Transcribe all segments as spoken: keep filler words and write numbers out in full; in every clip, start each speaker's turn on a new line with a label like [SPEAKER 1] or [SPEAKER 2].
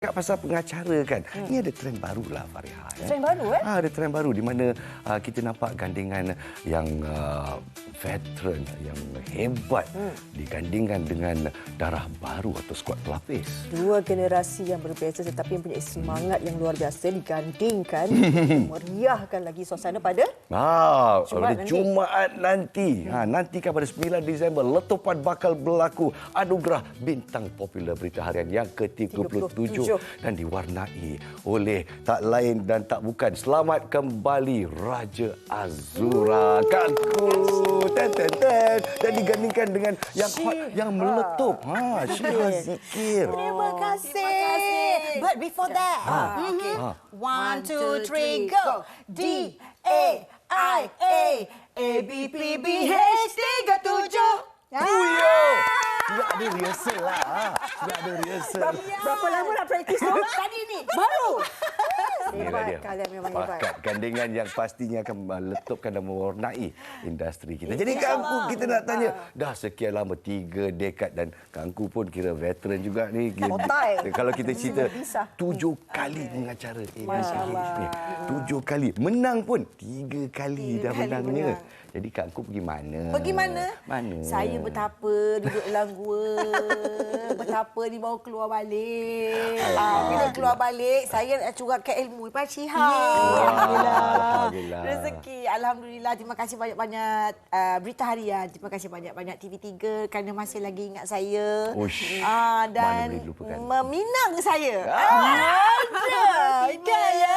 [SPEAKER 1] Cakap pasal pengacara kan, hmm. ini ada trend baru lah Fariha.
[SPEAKER 2] Trend baru eh?
[SPEAKER 1] Ha, ada trend baru di mana uh, kita nampak gandingan yang uh, veteran, yang hebat hmm. digandingkan dengan darah baru atau skuad pelapis.
[SPEAKER 2] Dua generasi yang berbeza tetapi mempunyai semangat yang luar biasa digandingkan. Meriahkan lagi suasana pada
[SPEAKER 1] Ha,
[SPEAKER 2] Jumaat
[SPEAKER 1] pada
[SPEAKER 2] nanti.
[SPEAKER 1] Jumaat nanti. Ha, nantikan pada sembilan Disember, letupan bakal berlaku anugerah bintang popular berita harian yang ke tiga puluh tujuh. Dan diwarnai oleh tak lain dan tak bukan selamat kembali Raja Azura. Kakku. Ten, ten, ten. Dan digandingkan dengan yang hot, yang meletup. Ha, Syirah Zikir.
[SPEAKER 3] Terima kasih. But before that,
[SPEAKER 1] Ha.
[SPEAKER 3] mhm.
[SPEAKER 1] Ha.
[SPEAKER 3] One, two, three, go. D A I A A B P B H tiga tujuh.
[SPEAKER 1] Sudah ada rehearsal lah. Ha. Sudah ada rehearsal.
[SPEAKER 2] berapa lama nak praktis tu?
[SPEAKER 3] Tadi ni.
[SPEAKER 2] Baru.
[SPEAKER 1] Inilah
[SPEAKER 2] Hebat
[SPEAKER 1] dia.
[SPEAKER 2] kalian memang hebat.
[SPEAKER 1] Pakat gandingan yang pastinya akan meletupkan dan mewarnai industri kita. Jadi Kangku, kita nak tanya, dah sekian lama, tiga dekad dan Kangku pun kira veteran juga ni.
[SPEAKER 2] Otai.
[SPEAKER 1] Kalau kita cerita,
[SPEAKER 2] Bisa.
[SPEAKER 1] tujuh kali mengacara A B C H ni.
[SPEAKER 2] Allah.
[SPEAKER 1] Tujuh kali. Menang pun tiga kali
[SPEAKER 3] Tiga
[SPEAKER 1] dah
[SPEAKER 3] kali
[SPEAKER 1] menangnya.
[SPEAKER 3] menang.
[SPEAKER 1] Jadi Kangku pergi mana?
[SPEAKER 3] Pergi mana?
[SPEAKER 1] Mana?
[SPEAKER 3] Saya betapa duduk dalam gua. Betapa ni baru keluar balik. Ah, bila keluar balik, saya nak curahkan ilmu kepada Syiha.
[SPEAKER 1] Alhamdulillah. Alhamdulillah.
[SPEAKER 3] Rezeki. Alhamdulillah. Terima kasih banyak-banyak uh, Berita Harian. Terima kasih banyak-banyak T V tiga kerana masih lagi ingat saya.
[SPEAKER 1] Uish.
[SPEAKER 3] Ah, dan
[SPEAKER 1] Mana boleh dilupakan.
[SPEAKER 3] meminang saya. Ah, ada. Kan ya?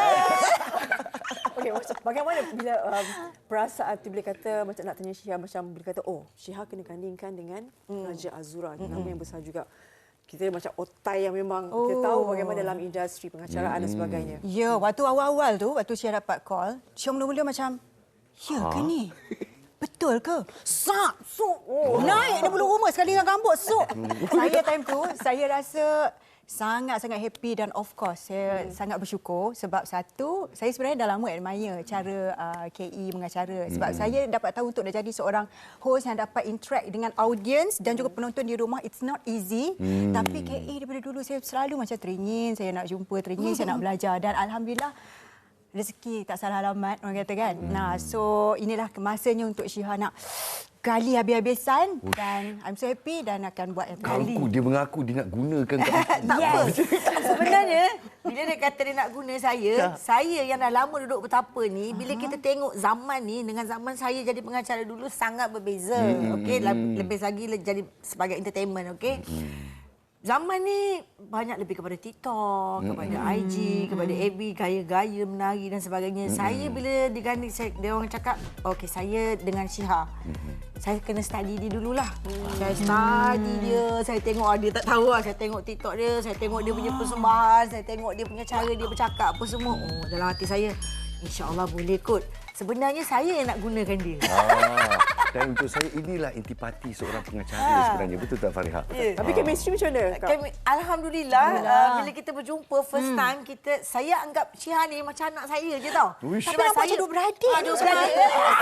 [SPEAKER 2] Okey, macam bagaimana bila um, perasaan tu bila kata macam nak tanya Syiha macam bila kata oh Syiha kena gandingkan dengan hmm. Raja Azura, nama hmm. yang besar juga. Kita macam otai yang memang oh. kita tahu bagaimana dalam industri pengacaraan hmm. dan sebagainya.
[SPEAKER 4] Ya, waktu awal-awal tu, waktu Syah dapat call, Syah mula-mula macam, ya ke ni? Betul ke? Sak, sok. Oh. Naik dia bulu rumah sekali dengan rambut, sok. Saya time tu, saya rasa sangat-sangat happy dan of course saya hmm. sangat bersyukur sebab satu, saya sebenarnya dah lama admire cara uh, K E mengacara sebab hmm. saya dapat tahu untuk dah jadi seorang host yang dapat interact dengan audience dan juga penonton di rumah, it's not easy. Hmm. Tapi K E daripada dulu saya selalu macam teringin, saya nak jumpa, teringin, saya nak belajar dan alhamdulillah rezeki tak salah alamat orang kata kan. Hmm. Nah, so inilah masanya untuk Syiha nak gali habis-habisan dan I'm so happy dan akan buat yang kali.
[SPEAKER 1] Kangku, dia mengaku dia nak gunakan kat
[SPEAKER 3] Tak apa. Sebenarnya, bila dia kata dia nak guna saya, saya yang dah lama duduk betapa ni, bila kita tengok zaman ni dengan zaman saya jadi pengacara dulu sangat berbeza.
[SPEAKER 1] Hmm.
[SPEAKER 3] Okey, lebih lagi jadi sebagai entertainment, okey. Hmm. Zaman ni banyak lebih kepada TikTok, hmm. kepada I G, kepada F B, gaya-gaya menari dan sebagainya. Hmm. Saya bila diganding, saya, dia orang cakap, okey saya dengan Syiha. Hmm. Saya kena study dia dululah. Hmm. Saya study dia, saya tengok dia tak tahu lah. Saya tengok TikTok dia, saya tengok dia punya persembahan, saya tengok dia punya cara dia bercakap apa semua. Oh, dalam hati saya, insya-Allah boleh kot. Sebenarnya saya yang nak gunakan dia.
[SPEAKER 1] Ah, dan untuk saya inilah intipati seorang pengacara ah. sebenarnya. Betul tak Fariha?
[SPEAKER 2] Yeah. Tapi chemistry macam mana?
[SPEAKER 3] Kami, Alhamdulillah, uh, bila kita berjumpa first hmm. time, kita saya anggap Syiha ni macam anak saya je tau.
[SPEAKER 1] Uish.
[SPEAKER 4] Tapi nampak macam duk beradik.
[SPEAKER 3] Ah, duk beradik.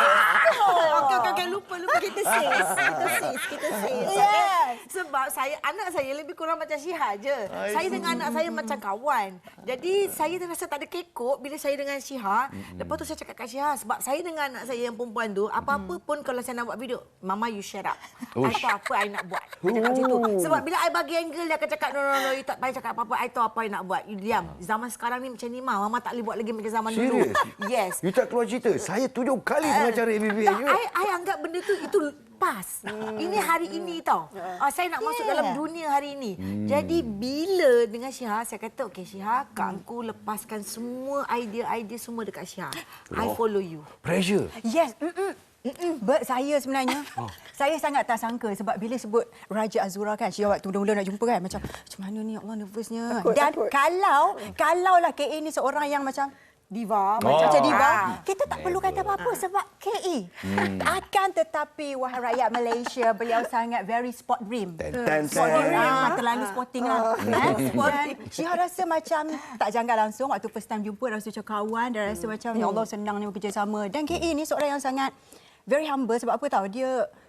[SPEAKER 3] Okey, okey, okey, lupa, lupa. Kita sis. Kita sis, kita sis.
[SPEAKER 4] Yes.
[SPEAKER 3] Sebab saya, anak saya lebih kurang macam Syiha je. Saya dengan anak saya macam kawan. Jadi, saya rasa tak ada kekok bila saya dengan Syiha. Lepas tu saya cakap kat Syiha, sebab saya dengan anak saya yang perempuan tu, apa-apa pun kalau saya nak buat video, Mama you share up. Apa-apa I nak buat. Dia cakap macam tu. Sebab bila I bagi angle, dia akan cakap, no, no, no, you tak payah cakap apa-apa. I tahu apa I nak buat. You diam. Zaman sekarang ni macam ni, Ma. Mama tak boleh buat lagi macam zaman dulu. Yes.
[SPEAKER 1] You tak keluar cerita. Saya tujuh kali
[SPEAKER 3] Uh,
[SPEAKER 1] pengacara A B B
[SPEAKER 3] tak,
[SPEAKER 1] you.
[SPEAKER 3] I, I anggap benda tu, itu pas. Hmm. Ini hari ini tau. Uh, saya nak masuk
[SPEAKER 4] Yeah.
[SPEAKER 3] dalam dunia hari ini. Hmm. Jadi bila dengan Syiha, saya kata, okey Syiha, Kangku lepaskan semua idea-idea semua dekat Syiha. I follow you.
[SPEAKER 1] Pressure.
[SPEAKER 4] Yes. Mm-mm. Mm-mm. But saya sebenarnya, oh. saya sangat tak sangka sebab bila sebut Raja Azura kan, Syiha waktu mula-mula nak jumpa kan, macam macam mana ni, Allah nervousnya.
[SPEAKER 2] Takut,
[SPEAKER 4] Dan
[SPEAKER 2] takut.
[SPEAKER 4] kalau, kalau lah K A ni seorang yang macam diva, oh. macam diva,
[SPEAKER 3] Ah.
[SPEAKER 4] kita tak perlu kata apa-apa sebab K E. Hmm. Akan tetapi, wahai rakyat Malaysia, beliau sangat very sport dream.
[SPEAKER 1] Ten, ten,
[SPEAKER 4] Sporting
[SPEAKER 1] ten.
[SPEAKER 4] lah, terlalu sporting lah. Eh? Dan Syiha rasa macam tak janggal langsung waktu first time jumpa, rasa macam kawan dan rasa macam ya Allah senangnya bekerjasama. Dan K E ni seorang yang sangat very humble sebab apa tahu dia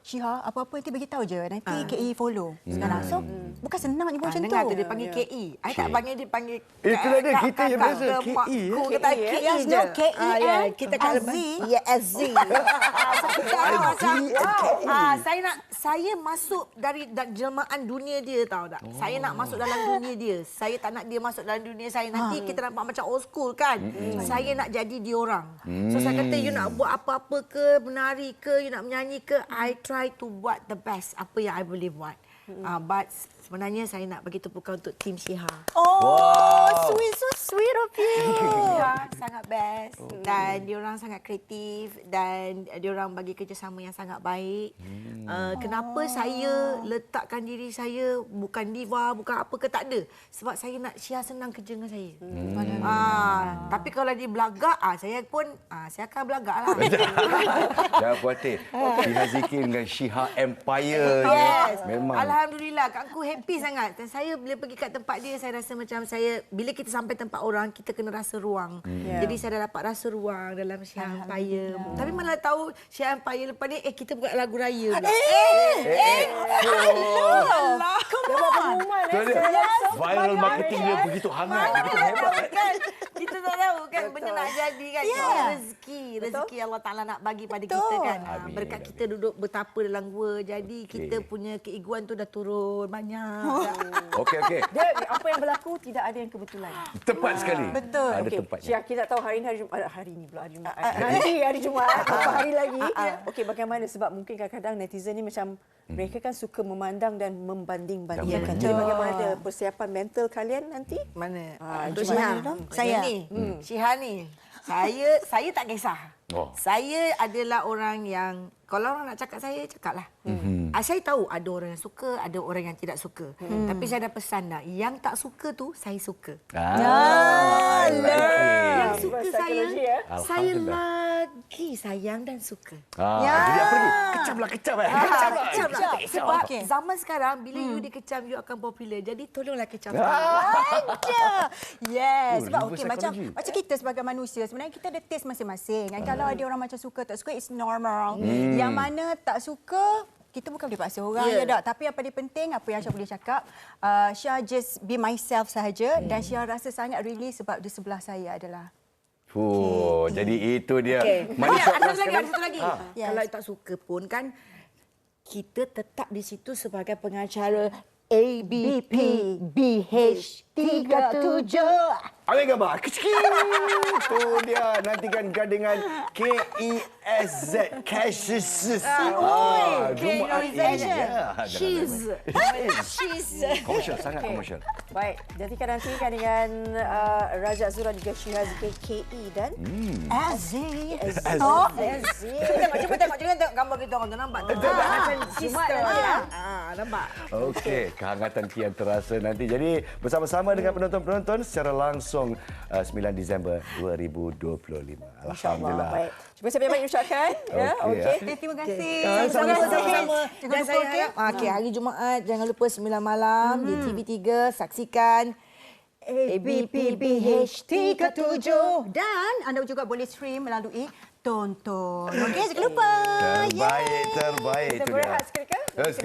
[SPEAKER 4] Syiha, apa-apa nanti bagi tahu je. Nanti
[SPEAKER 3] Ah.
[SPEAKER 4] K E follow. Sekarang. So, bukan senang je buat
[SPEAKER 3] Ah,
[SPEAKER 4] macam
[SPEAKER 3] dengar
[SPEAKER 4] tu.
[SPEAKER 3] tu dia panggil K E. I tak panggil dia panggil
[SPEAKER 1] Itulah dia,
[SPEAKER 3] kak-
[SPEAKER 1] kita yang
[SPEAKER 3] kakak
[SPEAKER 1] biasa,
[SPEAKER 3] ke
[SPEAKER 1] K E,
[SPEAKER 3] makku
[SPEAKER 1] eh.
[SPEAKER 3] kata
[SPEAKER 2] K E,
[SPEAKER 3] K E
[SPEAKER 4] Yes,
[SPEAKER 3] je.
[SPEAKER 4] no, K E
[SPEAKER 3] Ah, ya,
[SPEAKER 4] and
[SPEAKER 3] kita kat
[SPEAKER 4] Z.
[SPEAKER 3] Ya, S Z. Ah, so kita orang macam, wow. Ah, saya nak saya masuk dari da- jelmaan dunia dia tahu tak. Saya nak masuk dalam dunia dia. Saya tak nak dia masuk dalam dunia saya. Nanti kita nampak macam old school kan. Saya nak jadi dia orang. So saya kata you nak buat apa-apa ke, menari ke, you nak menyanyi ke, I try to buat the best apa yang I boleh buat. Ah, but sebenarnya saya nak bagi tepukan untuk tim Syiha.
[SPEAKER 4] Oh,
[SPEAKER 1] Wow.
[SPEAKER 4] sweet, so sweet of you.
[SPEAKER 3] Ya, sangat best dan diorang sangat kreatif dan diorang bagi kerjasama yang sangat baik. Hmm. Uh, kenapa oh. saya letakkan diri saya bukan diva, bukan apa ke, tak ada. Sebab saya nak Syiha senang kerja dengan saya. Hmm. Ah, tapi kalau dia belagak, ah saya pun ah saya akan belagak lah.
[SPEAKER 1] Jangan khawatir. Syiha Zikir dengan Syiha Empire.
[SPEAKER 3] Yes.
[SPEAKER 1] Memang.
[SPEAKER 3] Alhamdulillah, Kak aku happy sangat. Dan saya bila pergi kat tempat dia, saya rasa macam saya, bila kita sampai tempat orang, kita kena rasa ruang.
[SPEAKER 2] Yeah.
[SPEAKER 3] Jadi saya dah dapat rasa ruang dalam Syiha Empire. Tapi malah tahu Syiha Empire lepas ni, eh kita buat lagu raya pula.
[SPEAKER 4] Eh, eh,
[SPEAKER 3] Allah.
[SPEAKER 2] Dia buat pengumuman
[SPEAKER 1] Tu
[SPEAKER 2] eh.
[SPEAKER 1] dia.
[SPEAKER 2] Yes.
[SPEAKER 1] Viral marketing dia begitu hangat, begitu hebat.
[SPEAKER 3] Kan? Kita tak tahu kan benda nak jadi kan.
[SPEAKER 4] Ya.
[SPEAKER 3] Yeah. Rezeki, rezeki Allah Taala nak bagi pada
[SPEAKER 4] Betul.
[SPEAKER 3] kita kan. Ah,
[SPEAKER 1] Amin,
[SPEAKER 3] Berkat
[SPEAKER 1] amin.
[SPEAKER 3] kita duduk bertapa dalam gua. Jadi kita
[SPEAKER 1] Okey.
[SPEAKER 3] punya keegoan tu dah turun banyak.
[SPEAKER 1] Okey, okey.
[SPEAKER 2] Dia apa yang berlaku tidak ada yang kebetulan.
[SPEAKER 1] Tepat sekali.
[SPEAKER 4] Betul.
[SPEAKER 1] Ada
[SPEAKER 2] Okey,
[SPEAKER 1] tempatnya.
[SPEAKER 2] Syah, kita tak tahu hari ini hari Jumaat. Hari ini pula hari Jumaat. Nanti hari Jumaat, beberapa hari lagi. Okey, bagaimana? Sebab mungkin kadang-kadang netizen ni macam mereka kan suka memandang dan membanding-bandingkan.
[SPEAKER 1] Ya,
[SPEAKER 2] Jadi
[SPEAKER 4] betul.
[SPEAKER 2] bagaimana ada persiapan mental kalian nanti?
[SPEAKER 3] Mana?
[SPEAKER 2] Ah,
[SPEAKER 3] Untuk
[SPEAKER 2] Jumaat
[SPEAKER 3] Syiha.
[SPEAKER 2] ni.
[SPEAKER 3] Saya ni. Syiha ni. Saya saya tak kisah.
[SPEAKER 1] Oh.
[SPEAKER 3] Saya adalah orang yang kalau orang nak cakap saya, cakaplah. Mm-hmm. Saya tahu ada orang yang suka, ada orang yang tidak suka. Mm. Tapi saya dah pesan dah, yang tak suka tu saya suka.
[SPEAKER 1] Ah, I like
[SPEAKER 3] Yang
[SPEAKER 1] it.
[SPEAKER 3] suka
[SPEAKER 2] Psikologi,
[SPEAKER 3] saya,
[SPEAKER 2] ya?
[SPEAKER 3] saya
[SPEAKER 1] Alhamdulillah.
[SPEAKER 3] lagi sayang dan suka.
[SPEAKER 1] Ah,
[SPEAKER 4] Ya.
[SPEAKER 1] Jadi apa lagi? Kecam lah, kecam eh. Kecam lah.
[SPEAKER 3] Kecam lah.
[SPEAKER 1] Kecam.
[SPEAKER 3] Sebab
[SPEAKER 4] Okey.
[SPEAKER 3] zaman sekarang, bila you dikecam, you akan popular. Jadi tolonglah kecam.
[SPEAKER 4] Ada. Yes.
[SPEAKER 1] Oh,
[SPEAKER 4] Sebab
[SPEAKER 1] reverse
[SPEAKER 4] okey macam
[SPEAKER 1] psychology.
[SPEAKER 4] macam kita sebagai manusia sebenarnya kita ada taste masing-masing. Kan kalau ada orang macam suka tak suka it's normal. Yang mana tak suka kita bukan boleh paksa orang
[SPEAKER 3] Yeah.
[SPEAKER 4] yeah. je tak. Tapi apa dia penting, apa yang Syah boleh cakap, uh, Syah just be myself sahaja dan Syah rasa sangat really sebab di sebelah saya adalah
[SPEAKER 1] Fuh, jadi itu dia.
[SPEAKER 3] Okay.
[SPEAKER 1] Mana
[SPEAKER 3] Ada,
[SPEAKER 1] shot
[SPEAKER 3] ada
[SPEAKER 1] last
[SPEAKER 3] satu lagi,
[SPEAKER 1] sekali?
[SPEAKER 3] ada satu lagi.
[SPEAKER 1] Ah.
[SPEAKER 4] Yes.
[SPEAKER 3] Kalau you tak suka pun kan, kita tetap di situ sebagai pengacara A B P B H tiga tujuh.
[SPEAKER 1] Ambil gambar. Kecil. Itu dia. Nantikan dengan K E S Z. Cashes. Ah, Jumaat ini.
[SPEAKER 3] K-Organization.
[SPEAKER 1] Ya,
[SPEAKER 3] Cheese.
[SPEAKER 1] jangan-
[SPEAKER 3] Cheese.
[SPEAKER 1] Komersial, sangat komersial.
[SPEAKER 2] Baik, nantikan nantikan dengan uh, Raja Azura juga Syiha Zikir K E dan
[SPEAKER 4] Aziz.
[SPEAKER 2] Oh,
[SPEAKER 3] Tengok, cuba tengok, cuba tengok gambar kita orang tu nampak tak? Macam sister dia. Ah, nampak.
[SPEAKER 1] Okey, kehangatan kian terasa nanti. Jadi bersama-sama dengan penonton-penonton secara langsung uh, sembilan Disember dua ribu dua puluh lima.
[SPEAKER 2] InsyaAllah.
[SPEAKER 1] Alhamdulillah.
[SPEAKER 2] Baik. Cuba saya banyak ucapkan. Ya,
[SPEAKER 1] Okey,
[SPEAKER 2] okey.
[SPEAKER 4] Okay, terima kasih.
[SPEAKER 3] Sama-sama, sama-sama.
[SPEAKER 4] Jangan
[SPEAKER 3] Dan
[SPEAKER 4] lupa,
[SPEAKER 3] saya
[SPEAKER 4] okey?
[SPEAKER 3] harap, ah, okey, hari Jumaat jangan lupa sembilan malam di T V tiga saksikan
[SPEAKER 4] A B P B H tiga tujuh dan anda juga boleh stream melalui Tonton. Okey, jangan lupa.
[SPEAKER 1] Terbaik, terbaik.
[SPEAKER 2] Kita
[SPEAKER 1] itu dia.
[SPEAKER 2] berehat seketika.
[SPEAKER 1] Terus